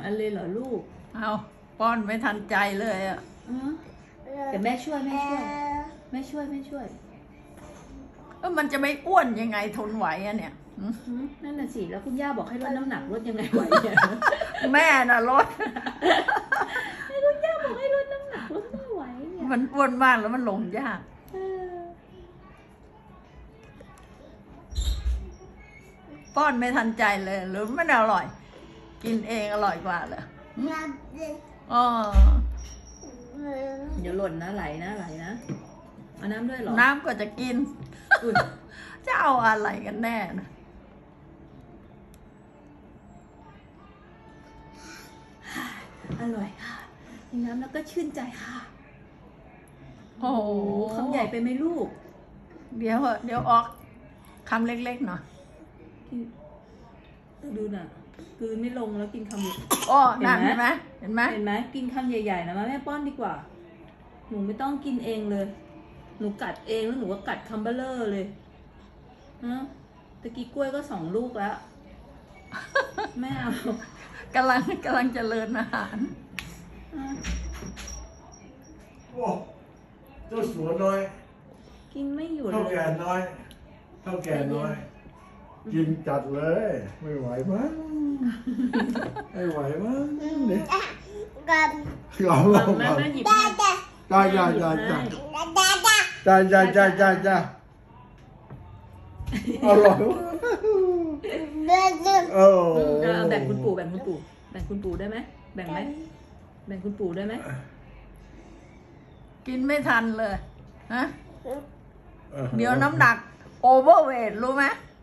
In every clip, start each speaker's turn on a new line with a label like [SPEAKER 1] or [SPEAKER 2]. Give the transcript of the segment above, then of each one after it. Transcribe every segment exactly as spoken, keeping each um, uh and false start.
[SPEAKER 1] อันเลยเหรอลูก
[SPEAKER 2] เอาป้อนไม่ทันใจเลยอ่ะ
[SPEAKER 1] เดี๋ยวแม่ช่วยแม่ช่วยแม่ช่วยแม่ช่วย
[SPEAKER 2] เออมันจะไม่อ้วนยังไงทนไหวอะเนี่ย
[SPEAKER 1] นั่นน่ะสิแล้วคุณย่าบอกให้ลดน้ำหนักลดยังไงไหวเนี่ย
[SPEAKER 2] แม่น่ะลด
[SPEAKER 1] ให้คุณย่าบอกให้ลดน้ำหนักลดไม่ไหวเนี่ย
[SPEAKER 2] มันอ้วนมากแล้วมันลงยากป้อนไม่ทันใจเลยหรือไม่อร่อยกินเองอร่อยกว่าเลยอ๋อ
[SPEAKER 1] เดี๋ยวหล่นนะไหลนะไหลนะเอาน้ำด้วยหรอ
[SPEAKER 2] น้ำก็จะกินจะเอาอะไรกันแน่นะ
[SPEAKER 1] อร่อยค่ะกินน้ำแล้วก็ชื่นใจค่ะ
[SPEAKER 2] โอ้โห
[SPEAKER 1] คำใหญ่ไปไหมลูก
[SPEAKER 2] เดี๋ยวเดี๋ยวออกคำเล็กๆหน่อย
[SPEAKER 1] ดูน่ะคือไม่ลงแล้วกินคำ
[SPEAKER 2] โอ้นั่นเห็นไหมเห็นไหม
[SPEAKER 1] เห็นไหมกินคำใหญ่ๆนะมาแม่ป้อนดีกว่าหนูไม่ต้องกินเองเลยหนูกัดเองแล้วหนูก็กัดคัมเบอร์เลอร์เลยฮะตะกี้กล้วยก็สองลูกแล้วไม่เอา
[SPEAKER 2] กำลังกำลังเจริญอาหาร
[SPEAKER 3] โอ้เจ้าสัวน้อย
[SPEAKER 1] กินไม่หยุด
[SPEAKER 3] เท่าแก่น้อยเท่าแก่น้อยกินจัดเลยไม่ไหวมั้งไม่ไหวมั้งเนี่ย
[SPEAKER 4] กัน
[SPEAKER 3] ยอมลงมา
[SPEAKER 1] จ้า
[SPEAKER 3] จ้าจ้าจ้าจ้าจ้าจ้าจ้าจ้าจ้าจ้าอร่อย
[SPEAKER 1] เออแบ่งคุณปู่แบ่งคุณปู่แบ่งคุณปู่ได้ไหมแบ่งไหมแบ่งคุณปู่ได้ไหม
[SPEAKER 2] กินไม่ทันเลยฮะเดี๋ยวน้ำหนักโอเวอร์เวทรู้ไหม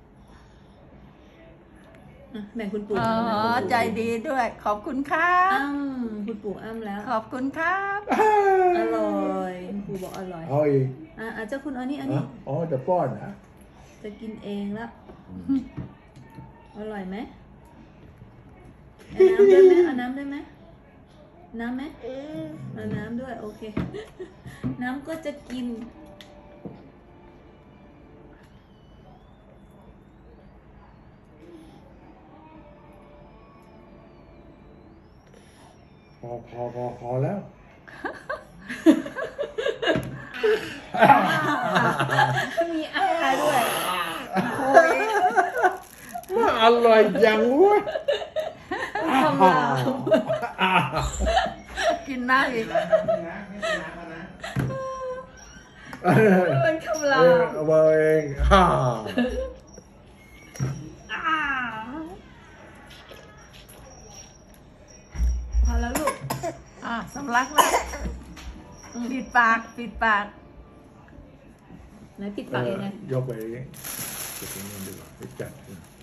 [SPEAKER 1] แบ่งคุณปู่
[SPEAKER 2] อ๋อใจดีด้วยขอบคุณครับ
[SPEAKER 1] คุณปู่อ้ำแล้ว
[SPEAKER 2] ขอบคุณครับ
[SPEAKER 1] อร่อยคุณปู่บอกอร่อย
[SPEAKER 3] เอาอีก
[SPEAKER 1] อ่ะเจ้าคุณอันนี้อันนี้
[SPEAKER 3] อ๋อจะป้อนนะ
[SPEAKER 1] จะกินเองแล้วอร่อยไหมเอาน้ำด้วยไหมเอาน้ำได้ไหมน้ำไหมเอาน้ำด้วยโอเคน้ำก็จะกิน
[SPEAKER 3] พอพอพอพอแล้ว
[SPEAKER 1] มีอาด้วย
[SPEAKER 3] โอ้ยมาอร่อยจังวะ
[SPEAKER 1] คำราม
[SPEAKER 2] กินน้ำอีก
[SPEAKER 1] เป็นคำราม
[SPEAKER 3] เอามาเองฮ่า
[SPEAKER 1] พอแล้วลูก
[SPEAKER 2] อ่ะสำลักแล้วปิดปากปิดปาก
[SPEAKER 1] ไหนปิดปากยังไง
[SPEAKER 3] ยกไปเองเก็บเงินดีกว่าไปจัด